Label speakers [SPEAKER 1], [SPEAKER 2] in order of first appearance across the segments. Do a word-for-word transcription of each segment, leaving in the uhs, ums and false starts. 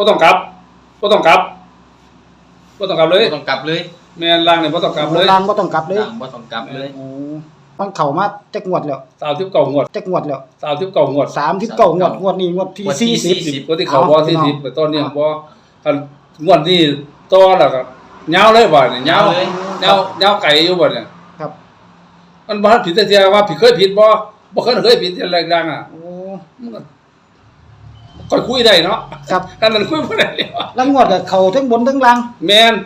[SPEAKER 1] บ่ต้องกลับบ่ต้องกลับบ่ต้องกลับเลย
[SPEAKER 2] บ่ต้องกลับเลย
[SPEAKER 1] แม่นล่างนี่บ่ต้องกลับเลย
[SPEAKER 3] ล่างบ่ต้องกลับเลย
[SPEAKER 2] ล่างบ่ต้องกลับเลย
[SPEAKER 3] โอ้มันเข้ามาจักงวดแล้ว
[SPEAKER 1] สามสิบเก้างวด
[SPEAKER 3] จักงวดแล้ว
[SPEAKER 1] สามสิบเก้างวด
[SPEAKER 3] สามสิบเก้างวดงวดนี้งวดที่สี่สิบ
[SPEAKER 1] ก็ที่เขาบ่สี่สิบตอนนี้บ่คันงวดนี้ต่อแล้วก็ยาวเลยบ่เนี่ยยาวเลยยาวยาวไกลอยู่บ่เนี่ย
[SPEAKER 3] ครับ
[SPEAKER 1] มันบ่ผิดแต่เที่ยว่าผิดเคยผิดบ่บ่เคยเคยผิดที่แรงดังอ่ะโอ้มันก็คุยได้เนาะ
[SPEAKER 3] ครับ
[SPEAKER 1] กันนั้นคุยบ่ได้
[SPEAKER 3] แล้วงวดก็เข้าทั้งบนทั้งล่าง
[SPEAKER 1] แม่น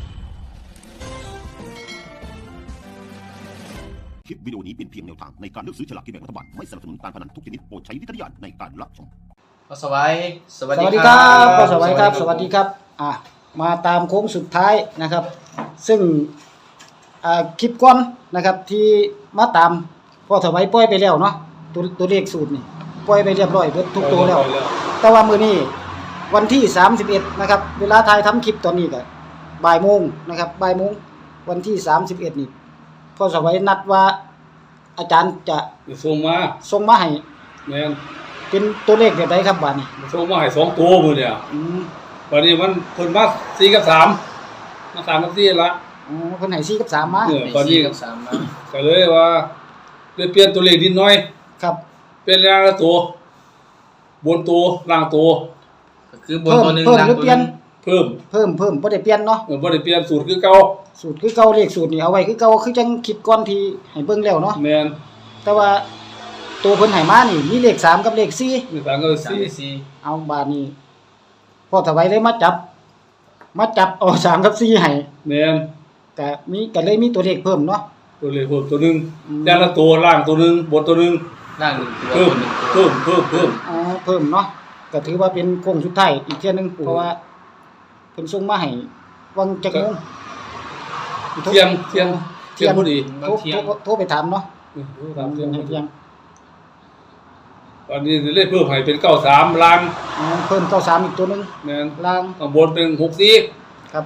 [SPEAKER 4] คลิปวิดีโอนี้เป็นเพียงแนวทางในการเลือกซื้อฉลากกินแบ่งรัฐบาลไม่สนับสนุนการพนันทุกชนิดโปรดใช้วิจารณญาณในการรับชม
[SPEAKER 2] สวัสดีสวัสดี
[SPEAKER 3] ครับสวัสดีครับสวัสดีครับอ่ะมาตามโค้งสุดท้ายนะครับซึ่งอ่าคลิปก่อนนะครับที่มาตามพอถวายปล่อยไปแล้วเนาะตัวตัวเลขสูตรนี่ปล่อยไปเรียบร้อยเบิดทุกตัวแล้วแต่ว่ามื้อนี้วันที่สามสิบเอ็ดนะครับเวลาถ่ายทำคลิปตอนนี้ก็บ่ายโมงนะครับบ่ายโมงวันที่สามสิบเอ็ดนี่พอถวายนัดว่าอาจารย์จะ
[SPEAKER 1] ส่งมา
[SPEAKER 3] ส่งมาให้
[SPEAKER 1] แม่น
[SPEAKER 3] เป็นตัวเลขแบบใดครับบัดนี้
[SPEAKER 1] ส่งมาให้สองตัวมื้อเนี่ย
[SPEAKER 3] อืม
[SPEAKER 1] บัดนี้มันเพิ่นมาสี่กับสามมาสามกับสี่ละ
[SPEAKER 3] อ๋อเพิ่นให้สี่กับสามมา
[SPEAKER 1] เออตอนนี้
[SPEAKER 2] กับสามมา
[SPEAKER 1] ก็เลยว่าเลยเปลี่ยนตัวเลขนิดหน่อย
[SPEAKER 3] ครับ
[SPEAKER 1] เป็นล่างละตัวบนตัวล่างตัว
[SPEAKER 2] ก็คือบนตัวนึงล่างตัวนึง
[SPEAKER 1] เพิ่ม
[SPEAKER 3] เพิ่มเพิ่มบ่ได้เปลี่ยนเนาะ
[SPEAKER 1] เออบ่ได้เปลี่ยนสูตรคือเก่า
[SPEAKER 3] สูตรคือเก่าเลขสูตรนี่เอาไว้คือเก่าคือจังคลิปก่อนที่ให้เบิ่งแล้วเนาะ
[SPEAKER 1] แม่น
[SPEAKER 3] แต่ว่าตัวเพิ่นให้มานี่มีเลขสามกับเลขสี่
[SPEAKER 1] เลขสามกับสี่
[SPEAKER 3] เอาบาดนี้พอถวายเลยมาจับมาจับเอาสามกับสี่ให้
[SPEAKER 1] แม่น
[SPEAKER 3] ก็มีก็เลยมีตัวเลขเพิ่มเนาะ
[SPEAKER 1] ตัวเลขเพิ่มตัวนึงอย่างละตัวล่างตัวนึงบนตัวนึง
[SPEAKER 2] ล่างหนึ่งตัว
[SPEAKER 1] เพิ่มเพิ่มเพิ่ม
[SPEAKER 3] อ๋อเพิ่มเนาะก็ถือว่าเป็นโค้งสุดท้ายอีกเที่ยนึงเพราะว่าเพิ่นส่งมาให้วังจักโมง
[SPEAKER 1] เที่ยงเที่ยงเที่ยงพอดี
[SPEAKER 3] โทรโทรไปถามเนาะ
[SPEAKER 1] โทรถามเที่ยง
[SPEAKER 3] เที่ยง
[SPEAKER 1] ตอนนี้เลขเพิ่มให้เป็นเก้าสิบสามล่าง
[SPEAKER 3] อ๋อเพิ่มเก้าสิบสามอีกตัวนึง
[SPEAKER 1] แม่น
[SPEAKER 3] ล่าง
[SPEAKER 1] ข้างบนเป็นหกสิบสี่
[SPEAKER 3] ครับ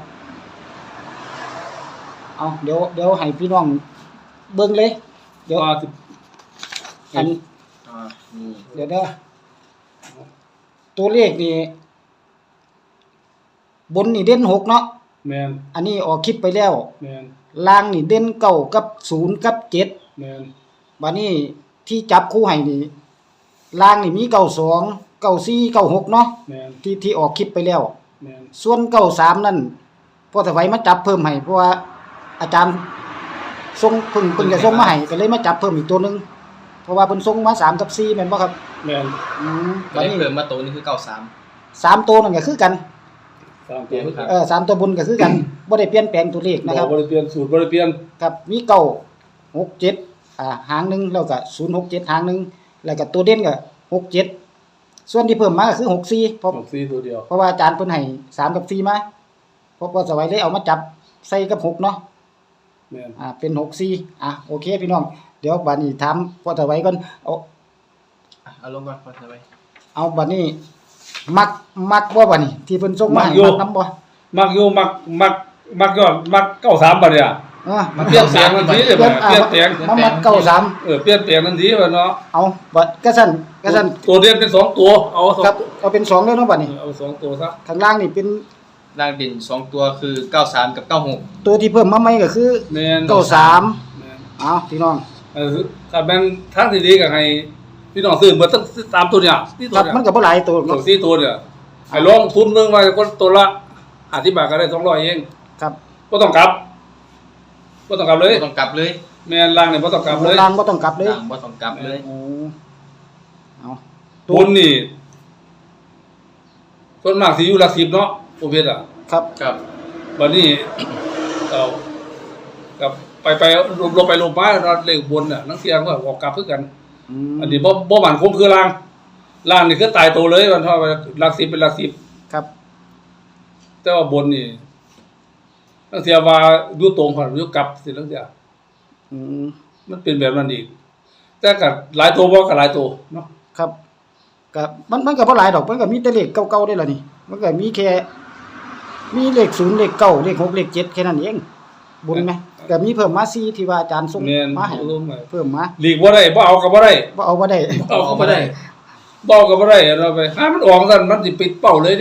[SPEAKER 3] เอาเดี๋ยวเดี๋ยวให้พี่น้องเบิ่งเลยเดี๋ยวอันอ่านี่เดี๋ยวเด้อตัวเลขนี่บนนี่เด่นหกเนาะ
[SPEAKER 1] แม่น
[SPEAKER 3] อันนี้ออกคลิปไปแล้ว
[SPEAKER 1] แม่น
[SPEAKER 3] ล่างนี่เด่นเก้ากับศูนย์กับเจ็ด
[SPEAKER 1] แม่น
[SPEAKER 3] บัดนี้ที่จับคู่ให้นี่ล่างนี่มีเก้าสอง เก้าสี่ เก้าหกเนาะ
[SPEAKER 1] แม่น
[SPEAKER 3] ที่ที่ออกคลิปไปแล้ว
[SPEAKER 1] แม่น
[SPEAKER 3] ส่วนเก้าสามนั่นพอถวายมาจับเพิ่มให้เพราะว่าอาจารย์ส่งเพิ่นเพิ่นจะส่งมาให้ก็เลยมาจับเพิ่มอีกตัวนึงเพราะว่าเพิ่นส่งมาสามกับสี่แม่นบ่ครับ
[SPEAKER 1] แม่น
[SPEAKER 3] อืม
[SPEAKER 2] บัดนี้เพิ่มมาตัวนึงคือเก้าสาม
[SPEAKER 3] สามตัวนั่นก็คือกัน
[SPEAKER 1] สามตัว
[SPEAKER 3] เออสามตัวบนก็คือกันบ่ได้เปลี่ยนแปลงตัวเลขนะครับ
[SPEAKER 1] บ่ได้เปลี่ยนสูตรบ่ได้เปลี่ยน
[SPEAKER 3] ครับมีเก้า หก เจ็ดอ่าหางนึงแล้วก็ศูนย์ หก เจ็ดหางนึงแล้วก็ตัวเด่นก็หก เจ็ดส่วนที่เพิ่มมาก็คือหก สี่เพราะ
[SPEAKER 1] หก สี่ตัวเดียว
[SPEAKER 3] เพราะว่าอาจารย์เพิ่นให้สามกับสี่มาเพราะว่าสวัยเลยเอามาจับใส่กับหกเนาะ
[SPEAKER 1] แม่น
[SPEAKER 3] อ่าเป็นหก สี่อ่ะโอเคพี่น้องเดี๋ยวบัดนี้ถามพอสวัยก่อนเอา
[SPEAKER 2] เอาลงก่อนพอสวัย
[SPEAKER 3] เอาบัดนี้มักมักบ่บัดนี้ที่เพิ่นส่งมาให้มักนำบ่
[SPEAKER 1] มักอยู่มักมักมักยอดมักเก้าสิบสามบัดเนี่ย
[SPEAKER 3] เออ
[SPEAKER 1] มันเปลี่ยนแปลงทันทีเลยเปลี่ยนแปลง
[SPEAKER 3] มันมักเก้าสิบสาม
[SPEAKER 1] เออเปลี่ยนแปลงทันทีบัดเนาะ
[SPEAKER 3] เอาบัดกะซั่นกะซั่น
[SPEAKER 1] ตัวเด่นเป็นสองตัวเอา
[SPEAKER 3] ครับเอาเป็นสองเลยเนาะบัดนี้
[SPEAKER 1] เอาสองตัวซะ
[SPEAKER 3] ข้างล่างนี่เป็น
[SPEAKER 2] ล่างเด่นสองตัวคือเก้าสิบสามกับเก้าสิบหก
[SPEAKER 3] ตัวที่เพิ่มมาใหม่ก็คือ
[SPEAKER 1] แม่น
[SPEAKER 3] เก้าสิบสามแม่นเอาพี่น้อง
[SPEAKER 1] เออถ้าแม่นทางที่ดีก็ให้พี่น้องซื้อเบิดทั้งสามตัวเนี่ย
[SPEAKER 3] นี่ตัวมันก็บ่หลายตัว
[SPEAKER 1] เนาะสี่ตัวเนี่ยให้ลงทุนเบิ่งว่าคนตัวละห้าสิบบาทก็ได้สองร้อยเอง
[SPEAKER 3] ครับ
[SPEAKER 1] บ่ต้องกลับบ่ต้องกลับเลย
[SPEAKER 2] บ่ต้องกลับเลย
[SPEAKER 1] แม่นล่างนี่บ่ต้องกลับเลย
[SPEAKER 3] ล่างบ่ต้องกลับเลย
[SPEAKER 2] ล่างบ่ต้องกลับเลย
[SPEAKER 3] โอ้เอา
[SPEAKER 1] บนนี่ส่วนมากสิอยู่หลักสิบเนาะประเภทอ่ะ
[SPEAKER 3] ครับ
[SPEAKER 2] ครับ
[SPEAKER 1] บัดนี้เอากับไปไปลงไปลงมาเลขบนน่ะนักเสียงก็ออกกลับคือกันอันนี้บ่บ่มั่นคงคือล่างล่างนี่คือตายตัวเลยมันเท่าหลักสิบเป็นหลักสิบ
[SPEAKER 3] ครับ
[SPEAKER 1] แต่ว่าบนนี่นักเสียว่าอยู่ตรงผ่านอยู่กลับสินักเสีย
[SPEAKER 3] อืม
[SPEAKER 1] มันเป็นแบบนั้นอีกแต่ก็หลายตัวบ่ก็หลายตัวเนาะ
[SPEAKER 3] ครับก็มันมันก็บ่หลายดอกมันก็มีแต่เลขเก่าๆได้ล่ะนี่มันก็มีแค่มีเลขศูนย์เลขเก้าเลขหกเลขเจ็ดแค่นั้นเองบุญไหมก็มีเพิ่มมาสี่ที่ว่าอาจารย์ส่งมาให้เพิ่มมา
[SPEAKER 1] หลีกบ่ได้บ่เอาก็บ่ได้
[SPEAKER 3] บ่เอาบ่ได้
[SPEAKER 1] บ่เอาก็บ่ได้บ่เอาก็บ่ได้เราไปหามันออกซั่นมันสิปิดเป้าเลยดิ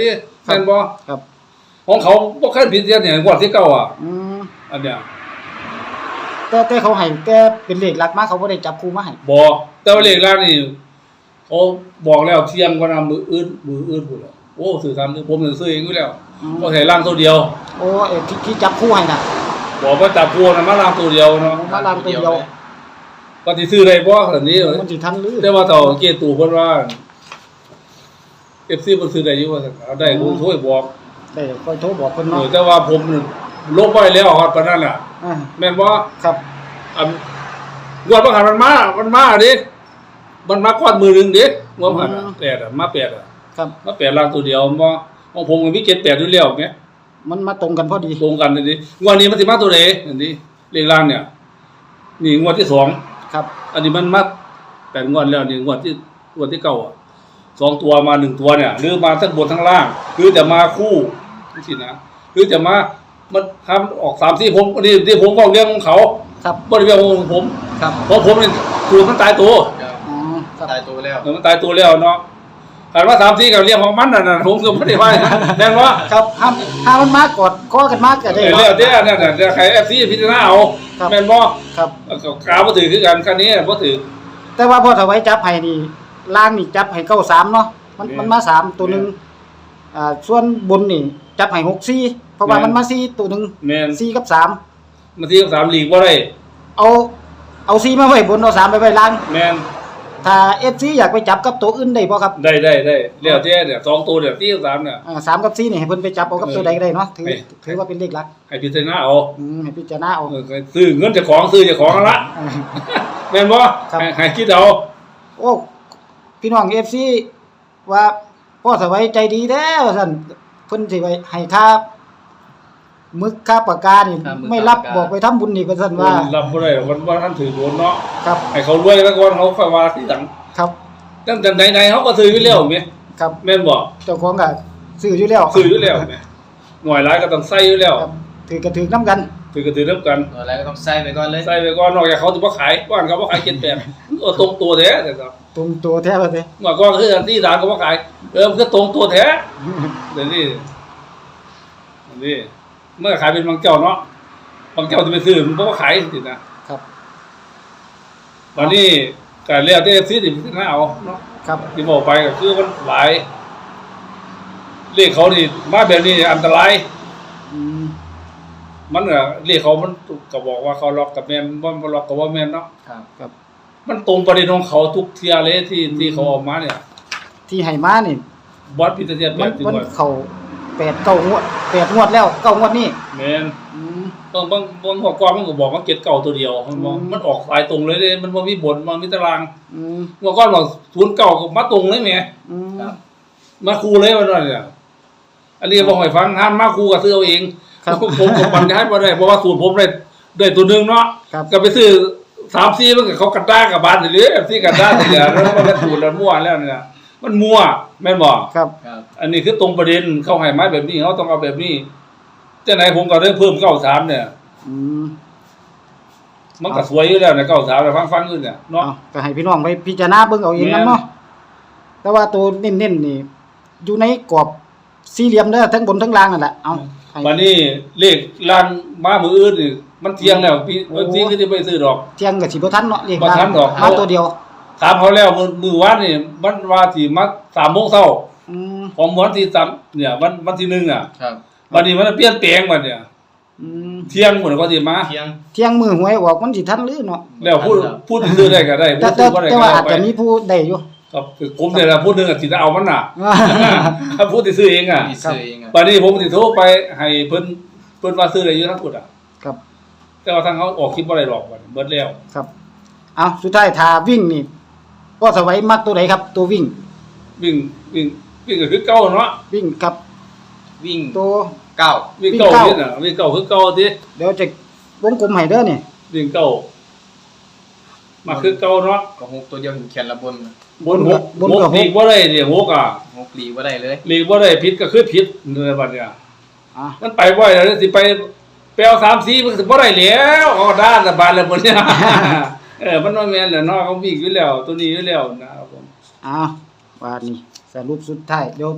[SPEAKER 1] แม่นบ่
[SPEAKER 3] ครับ
[SPEAKER 1] ของเขาบ่เคยผิดเสียเนี่ยงวดที่เก้าอ่ะ
[SPEAKER 3] อืม
[SPEAKER 1] อันเนี้ย
[SPEAKER 3] แต่แต่เขาให้แต่เป็นเลขหลักมาเขาบ่ได้จับคู่มาให้
[SPEAKER 1] บ่แต่ว่าเลขล่างนี่เขาบอกแล้วเที่ยงกว่านํมืออื่นมืออื่นพุ่นแล้วโอ้สื่อสารผมจะซื้อเองอยู่แล้ว
[SPEAKER 3] อืม
[SPEAKER 1] บ่ใช่ล่างตัวเดียว
[SPEAKER 3] โอ้เอ้ที่ที่จับคู่ให้น่ะ
[SPEAKER 1] บอกว่าจับพวงน่ะมาล่างตัวเดียวเนาะ
[SPEAKER 3] มาลางตัวเดียว
[SPEAKER 1] ก็สิซื้อได้บ่แบบนี้
[SPEAKER 3] มันสิทันหรือ
[SPEAKER 1] แต่ว่าต่อเกตู่เพิ่นว่า เอฟ ซี เพิ่นซื้อได้อยู่ว่าซั่นเอาได้กูช่วยบอก
[SPEAKER 3] ได้ค่อยโทรบอกเพิ่น
[SPEAKER 1] เอ
[SPEAKER 3] เนาะ
[SPEAKER 1] อแต่ว่าผมนี่ลบไว้แล้วครับปานนั้นน่ะ
[SPEAKER 3] อ่า
[SPEAKER 1] แม่นบ่
[SPEAKER 3] ครับ
[SPEAKER 1] อันงวดบ่หันมันมามันมาดิมันมาก่อนมือหนึงดิงวดบ่หันน่ะแปดอ่ะมาแปดอ่ะ
[SPEAKER 3] ครับ
[SPEAKER 1] มาแปดล่างตัวเดียวบ่ของผมก็มีเจ็ด แปดอยู่แล้วแหม
[SPEAKER 3] มันมาตรงกันพอดี
[SPEAKER 1] ตรงกันนี่ดิงวดนี้มันสิมาตัวใดอันนี้เลขล่างเนี่ย นี่งวดที่สอง
[SPEAKER 3] ครับ
[SPEAKER 1] อันนี้มันมาแปดงวดแล้วนี่งวดที่งวดที่เก้าอ่ะสองตัวมาหนึ่งตัวเนี่ยหรือมาทั้งบนทั้งล่างหรือจะมาคู่นี่สินะหรือจะมามันทำออกสามสี่ผมนี่ที่ผมบอกเรื่องของเขา
[SPEAKER 3] ครับ
[SPEAKER 1] บริเวณของผม
[SPEAKER 3] ครับ
[SPEAKER 1] เพราะผมเนี่ยตัวมันตายตัว
[SPEAKER 2] ครับ
[SPEAKER 3] อ๋อครับ
[SPEAKER 2] ตายตัวแล้ว
[SPEAKER 1] เออมันตายตัวแล้วเนาะถามว่าสามสี่กับเรื่องของมันน่ะนะผมก็ไม่ได้ว่าอย่างนั้นแน่นว่า
[SPEAKER 3] ครับห้ามห้ามมันมากอดคอกันมากก็
[SPEAKER 1] เอ
[SPEAKER 3] ได้
[SPEAKER 1] อ
[SPEAKER 3] เนาะ
[SPEAKER 1] แล้วเด้อเนี่ยน่ะจะใครเอฟซีพิจารณาเอา
[SPEAKER 3] ครับ
[SPEAKER 1] แม่นบ่
[SPEAKER 3] ครับ
[SPEAKER 1] กาวบ่ถือคือกันคันนี้บ่ถือ
[SPEAKER 3] แต่ว่าพอถวายจับให้นี่ล่างนี่จับให้เก้าสามเนาะมัน
[SPEAKER 1] แม่น
[SPEAKER 3] มันมาสามตัวหนึงอ่าส่วนบนนี่จับให้หกสี่เพราะว่า
[SPEAKER 1] แม่น
[SPEAKER 3] มันมาสี่ตัวหนึง
[SPEAKER 1] แม่น
[SPEAKER 3] สี่กับสาม
[SPEAKER 1] มาที่สามลีกบ่ได้
[SPEAKER 3] เอาเอาสี่มาไว้บนเอาสามไปไว้ล่าง
[SPEAKER 1] แม่น
[SPEAKER 3] ถ้า เอฟ ซี อยากไปจับกับตัวอื่นได้บ่ครับ
[SPEAKER 1] ได้ได้ได้แล้วแต่เนี่ยสองตัวเนี่ยที่สามเนี่ย
[SPEAKER 3] อ่าสามกับสี่นี่ให้เพิ่นไปจับเอากับตัวใดก็ได้เนาะถือ
[SPEAKER 1] ให้
[SPEAKER 3] ถือว่าเป็นเลขหลัก
[SPEAKER 1] ให้พิจารณาเอา
[SPEAKER 3] อืมให้พิจารณาเอา
[SPEAKER 1] เออซื้อเงินเจ้าของซื้อเจ้าของนั่นละ
[SPEAKER 3] อ่า
[SPEAKER 1] แม่นบ่
[SPEAKER 3] ครับ
[SPEAKER 1] ให้ให้คิดเอา
[SPEAKER 3] โอ้พี่น้อง เอฟ ซี ว่าพ่อสวัยใจดีแท้ว่าซั่นเพิ่นสิไว้ให้ค่ามึกค่าปากกานี่
[SPEAKER 2] ค่ามึก
[SPEAKER 3] ไม่รับ
[SPEAKER 2] ค่าปากกา
[SPEAKER 3] บอกไปทำบุญอีกว่าซั่นว่า
[SPEAKER 1] รับบ่ได้หรอกมันว่าท่านถือโดนเนาะ
[SPEAKER 3] ครับ
[SPEAKER 1] ให้เขารวยแล้วก่อนเขาค่อยว่าทีหลัง
[SPEAKER 3] ครับ
[SPEAKER 1] ตั้งแต่ไหนๆเขาก็ซื้ออยู่แล้วแม่
[SPEAKER 3] ครับ
[SPEAKER 1] แม่นบ่
[SPEAKER 3] เจ้าของก็ซื้ออยู่แล้ว
[SPEAKER 1] ซื้ออยู่แล้วแม่หน่วยหลายก็ต้องใส่อยู่แล้ว
[SPEAKER 3] ครับถือก็ถือนํกัน
[SPEAKER 1] ถือก็ถือนํกัน
[SPEAKER 2] ตัวอะไรก็ต้องใส่ไปก่อนเลย
[SPEAKER 1] ใส่ไปก่อนนอกจากเขาสิบ่ขายก่อนเขาบ่ขายเจ็ดแปดเออตรงตัวแท้แต่ครับ
[SPEAKER 3] ตรงตัวแท้ว่าซิ
[SPEAKER 1] เมื่อก่อนคืออันที่สามก็บ่ขายเออมันคือตรงตัวแท้เดี๋ยวนี้อันนี้เมื่อขายเป็นบางเจ้าเนาะบางเจ้าจะไปซื้อมันบ่ขายสินะครับ วันนี้การเรียกได้ซื้อสิพิจารณาเอาเนาะ
[SPEAKER 3] ครับ
[SPEAKER 1] ที่บอกไปก็คือมันหลายเลขเขานี่มาแบบนี้อันตราย
[SPEAKER 3] อืม
[SPEAKER 1] มันก็เลขเขามันก็บอกว่าเขาล็อกกับแม่นบ่บ่ล็อกกับว่าแม่นเนาะ
[SPEAKER 2] ครับ
[SPEAKER 3] ครับ
[SPEAKER 1] มันตรงประเด็นของเขาทุกเที่ยเลยที่ที่เขาออกมาเนี่ย
[SPEAKER 3] ที่ให้มานี่
[SPEAKER 1] บอสพิจารณาแบ
[SPEAKER 3] มัน
[SPEAKER 1] บที่
[SPEAKER 3] มัน
[SPEAKER 1] ว่า
[SPEAKER 3] เข้าแปดเก้างวดแปดงวดแล้วเก้างวดนี่
[SPEAKER 1] แม่น
[SPEAKER 3] อืม
[SPEAKER 1] บางบางบางข้อความมันก็บอกว่าเก็ดเก่าตัวเดียวมันบอก
[SPEAKER 3] อืม
[SPEAKER 1] มันออกสายตรงเลยเด้มันบ่มีบทมันมีตาราง
[SPEAKER 3] อืม
[SPEAKER 1] เมื่อก่อนบอกศูนย์เก่าก็มาตรงเลยแหม
[SPEAKER 3] อืม
[SPEAKER 2] ครับ
[SPEAKER 1] มาคูเลยวันนั้นเนี่ยอันนี้บอกให้ฟังห้ามมาคูก็ซื้อเอาเอง
[SPEAKER 3] ครับ
[SPEAKER 1] ผมก็ปันให้บ่ได้เพราะว่าสูตรผมได้ได้ตัวหนึงเนาะ
[SPEAKER 3] ครับ
[SPEAKER 1] ก็ไปซื้อสามสี่มันก็เขากระด้างกับบานหรือซี่กระด้างนี่แหละแล้วมันก็สูตรแล้วมั่วแล้วเนี่ยมันมั่วแม่นบ่
[SPEAKER 3] ครับ
[SPEAKER 2] ครับ
[SPEAKER 1] อันนี้คือตรงประเด็นเขาให้มาแบบนี้เขาต้องเอาแบบนี้จังไหนผมก็ได้เพิ่มเก้าสามเนี่ย
[SPEAKER 3] อืม
[SPEAKER 1] มันก็สวยอยู่แล้วเนี่ยเก้าสามแต่ฟังๆอยู่เนี่ยเนาะ
[SPEAKER 3] เอาก็ให้พี่น้องไปพิจารณาเบิ่งเอาเองนํเนาะแต่ว่าตัวเน้นๆนี่อยู่ในกรอบสี่เหลี่ยมเด้อทั้งบนทั้งล่างนั่นแหละเอาให้
[SPEAKER 1] วันนี้เลขล่างมามืออื่นนี่มันเที่ยงแล้วพี่เอฟซีก็จะไปซื้อดอก
[SPEAKER 3] เที่ยงก็สิบ่ทันเนาะเลข
[SPEAKER 1] บ่ทันดอก
[SPEAKER 3] มาตัวเดียว
[SPEAKER 1] ถามเขาแล้วมือมือวันนี่มันว่าสิมาสามโมงเช้า
[SPEAKER 3] อืม
[SPEAKER 1] ของวันที่สามเนี่ยวันวันที่หนึ่งอ่ะ
[SPEAKER 2] ครับ
[SPEAKER 1] วันนี้มันเปลี่ยนแปลงบัดเนี่ย
[SPEAKER 3] อืม
[SPEAKER 1] เที่ยงหมดก็สิมา
[SPEAKER 2] เที่ยง
[SPEAKER 3] เที่ยงมือหวยออกมันสิทันหรือเนาะ
[SPEAKER 1] แล้วพูดพูดซื้อได้ก็ได้
[SPEAKER 3] แต่
[SPEAKER 1] พูด
[SPEAKER 3] แต่
[SPEAKER 1] ซื้อบ่ได้
[SPEAKER 3] แต่
[SPEAKER 1] ก็
[SPEAKER 3] ว่า
[SPEAKER 1] ได้
[SPEAKER 3] อาจ
[SPEAKER 1] ไป
[SPEAKER 3] จะมีผู้ได้อยู่
[SPEAKER 1] ครับคือผมเนี่ยละพูดนึงอ่ะสิจะเอามันน่ะ ถ้าพูดสิซื้อเองอ่ะ
[SPEAKER 2] มีซื้อเองอ่ะ
[SPEAKER 1] วันนี้ผมสิโทรไปให้เพิ่นเพิ่นว่าซื้อได้อยู่ทั้งหมดอ่ะ
[SPEAKER 3] ครับ
[SPEAKER 1] แต่ว่าทางเขาออกคลิปบ่ได้หรอกบัดนี้เบิดแล้ว
[SPEAKER 3] ครับเอาสุดท้ายถ้าวิ่งนี่พ่อสวัยมักตัวไหนครับ ตัววิ่ง
[SPEAKER 1] วิ่งวิ่งวิ่งก็คือเก่าเนาะ
[SPEAKER 3] วิ่งครับ
[SPEAKER 2] วิ่ง
[SPEAKER 3] ตัว
[SPEAKER 2] เก้า
[SPEAKER 1] วิ่งเก่า
[SPEAKER 3] วิ่งเก่า
[SPEAKER 1] นี่น่ะวิ่งเก่าคือเก่าติ
[SPEAKER 3] เดี๋ยวจะวงกลมให้เด้อนี่
[SPEAKER 1] วิ่งเก่ามาคือเก่าเนาะ
[SPEAKER 2] ก็หกตัวเดียวถึงแขนละบน
[SPEAKER 1] บนหก
[SPEAKER 3] บน
[SPEAKER 1] หก
[SPEAKER 3] กับห
[SPEAKER 1] ลี
[SPEAKER 3] ก
[SPEAKER 1] กบ่ได้นี่หกอ่ะ
[SPEAKER 2] หกหลีว่าได้เลย
[SPEAKER 1] ลีกบ่ได้ผิดก็คือผิดในบัดเนี่ย
[SPEAKER 3] อ่ะ
[SPEAKER 1] มันไปบ่ได้แล้วสิไปแปลวสามสี่มันก็สิบ่ได้แล้วเอาด้านละบานละบ่เนี่ย เออมันบ่แม่นแหละเนาะเขาวิ่งอยู่แล้วตัวนี้อยู่แล้วนะครับผม
[SPEAKER 3] เอาว่านี่สรุปสุดท้ายเดี๋ยว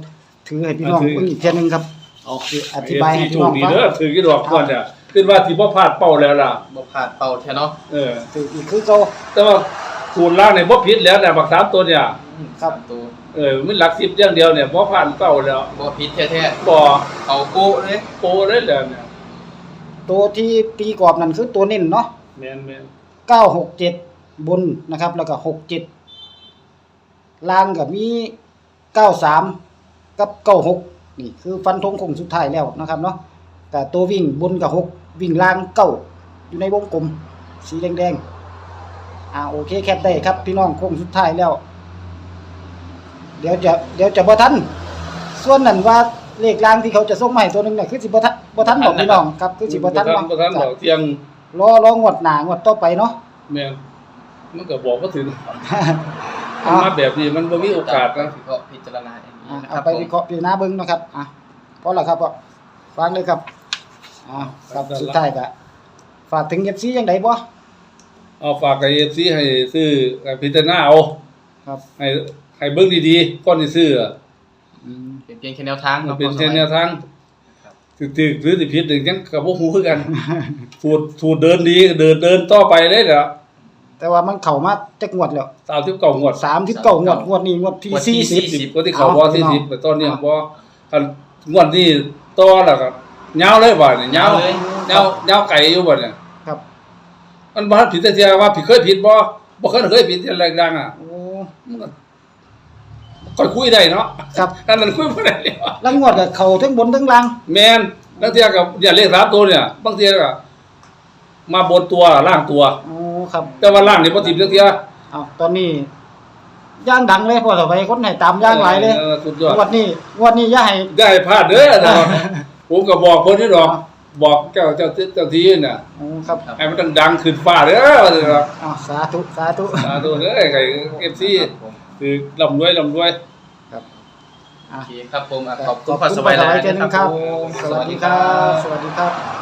[SPEAKER 3] ถือให้พี่น้อง
[SPEAKER 1] ถือ
[SPEAKER 3] เบิ่งอีกเทียหนึงครับ
[SPEAKER 2] เอา
[SPEAKER 3] คืออธิบายให้พี่
[SPEAKER 1] ถู
[SPEAKER 3] น้อก ง
[SPEAKER 1] ดี
[SPEAKER 3] ฟัง
[SPEAKER 1] เด้อถือกี่ดอกก่อนเนี่ยคิดว่าสิบ่พลาดเป้าแล้วล่ะ
[SPEAKER 2] บ่ผ่านเป่าแท้เนาะ
[SPEAKER 1] เออ
[SPEAKER 3] ถืออีกคือเก่า
[SPEAKER 1] แต่ว่าสูตรล่างเนี่ยบ่ผิดแล้วเนี่ยบักสามตัวเนี่ย
[SPEAKER 3] ครับ
[SPEAKER 2] สามตัว
[SPEAKER 1] เออมันหลักสิบอย่างเดียวเนี่ยบ่ผ่านเป้าแล้ว
[SPEAKER 2] บ่ผิดแท้
[SPEAKER 1] บ่
[SPEAKER 2] ๆเอาโก้เลย
[SPEAKER 1] โปเลยแล้วเนี่ย
[SPEAKER 3] ตัวที่ตีกรอบนั่นคือตัวเน้นเนาะ
[SPEAKER 1] แม่นแม่น
[SPEAKER 3] เก้าหกเจ็ดบนนะครับ แล้วก็หกเจ็ดล่างก็มีเก้าสามกับเก้าหกนี่คือฟันธงคงสุดท้ายแล้วนะครับเนาะแต่ตัววิ่งบนกับหกวิ่งล่างเก้าอยู่ในวงกลมสีแดงๆอ่าโอเคแคปได้ครับพี่น้องคงสุดท้ายแล้ว เดี๋ยวจะเดี๋ยวจะบ่ทันส่วนนั้นว่าเลขล่างที่เขาจะส่งมาให้ตัวหนึงเนี่ยคือสิบ่ทันบ่ทันบอกพี่น้องครับคือสิบ่ทัน
[SPEAKER 1] บ่ทันบ่ทันดอกเที่ยง
[SPEAKER 3] รอรองวดหน้างวดต่อไปเนาะ
[SPEAKER 1] แม่นมันก็บอกบ่ถึง
[SPEAKER 3] เอา
[SPEAKER 1] มาแบบนี้มันบ่มีโอกาสนะ
[SPEAKER 2] วิเคราะห์พิจารณาอย่างนี้
[SPEAKER 3] อ่ะ
[SPEAKER 2] นะค
[SPEAKER 3] เอา
[SPEAKER 2] รับ
[SPEAKER 3] ไปวิเคราะห์พิจารณาเบิ่งนะครับอ่ะพอแล้วครับพ่อฟังเลยครับอ่าครับสุดท้ายก็ฝากถึง เอฟ ซี จังไดบ่
[SPEAKER 1] เอาฝากกับ เอฟ ซี ให้ซื้อให้พิจารณาเอา
[SPEAKER 3] ครับ
[SPEAKER 1] ให้ให้เบิ่งดีๆก่อนสิซื้ออะ
[SPEAKER 3] อืม
[SPEAKER 2] เป็นเพียงแค่แนวทาง
[SPEAKER 1] มัน
[SPEAKER 2] เนาะ
[SPEAKER 1] เป็น
[SPEAKER 2] พอส
[SPEAKER 1] แค่
[SPEAKER 2] มัย
[SPEAKER 1] แนวทาง
[SPEAKER 2] ครับ
[SPEAKER 1] ถึกๆหรือสิผิดนี่ยังก็บ่ฮู้คือ กันสูตรสูตรเดินดีเดินเดินต่อไปเลยเด้อ
[SPEAKER 3] แต่ว่ามันเข้ามาจักงวดแล้ว
[SPEAKER 1] สามสิบเก้างวด
[SPEAKER 3] สามสิบเก้างวดงวดนี้งวดที่
[SPEAKER 2] งวดที่
[SPEAKER 3] สี่สิบ
[SPEAKER 2] สี่สิบ
[SPEAKER 1] ก็ที่เขาบ่สี่สิบแต่ตอนนี้
[SPEAKER 3] เอา
[SPEAKER 1] บ่คันงวดนี้ต่อแล้วก็ยาวเลยบ่เนี่ยยาว
[SPEAKER 2] เลย
[SPEAKER 1] ยาวยาวไกลอยู่บ่เนี่ย
[SPEAKER 3] ครับ
[SPEAKER 1] มันบ่ทันผิดแต่เที่ยว่าผิดเคยผิดบ่บ่เคยเคยผิดที่แรงดังอ่ะ
[SPEAKER 3] โอ้
[SPEAKER 1] มันก็ค่อยคุยได้เนาะ
[SPEAKER 3] ครับ
[SPEAKER 1] อันนั้นคุยบ่ได้แล้ว
[SPEAKER 3] แล้วงวดก็เข้าทั้งบนทั้งล่าง
[SPEAKER 1] แม่นบางเที่ยก็เนี่ยเลขสามตัวเนี่ยบางเที่ยก็มาบนตัวล่างตัว
[SPEAKER 3] โอ้ครับ
[SPEAKER 1] แต่ว่าล่างนี่บ่ติดจักเที่ย
[SPEAKER 3] เอาตอนนี้ย่างดังเลยพอต่อไปคนให้ตามย่างหลายเลย
[SPEAKER 1] ออสุดยอด
[SPEAKER 3] งวดนี้งวดนี้อย่าให้
[SPEAKER 1] ได้พลาดเด้อแต่ว่าผมก็บอกเพิ่นนี่ดอก บอกเจ้าเจ้าเจ้าที่น่ะ
[SPEAKER 3] โอ้ครับ
[SPEAKER 1] ให้มันดังๆขึ้นฟ้าเด้อว่าซั่นครับ
[SPEAKER 3] อ้าวสาธุสาธุ
[SPEAKER 1] สาธุเด้อไก่ เอฟ ซี
[SPEAKER 2] ครับผม
[SPEAKER 1] คือร่ำรวยร่ำรวย
[SPEAKER 3] ครับ
[SPEAKER 2] โอเคครับผมอ่ะขอบ
[SPEAKER 3] ข
[SPEAKER 2] คุณ
[SPEAKER 3] อบ
[SPEAKER 2] พ่อ
[SPEAKER 3] คุณ
[SPEAKER 2] ส
[SPEAKER 3] พ่
[SPEAKER 2] บา
[SPEAKER 3] อย ส
[SPEAKER 2] หลา
[SPEAKER 3] บาย
[SPEAKER 2] ย
[SPEAKER 3] เจ
[SPEAKER 2] ๆ
[SPEAKER 3] น
[SPEAKER 2] นะ
[SPEAKER 3] ค
[SPEAKER 2] ค
[SPEAKER 3] รั
[SPEAKER 2] รั
[SPEAKER 3] บบ สวัสดีครับ สวัสดีครับ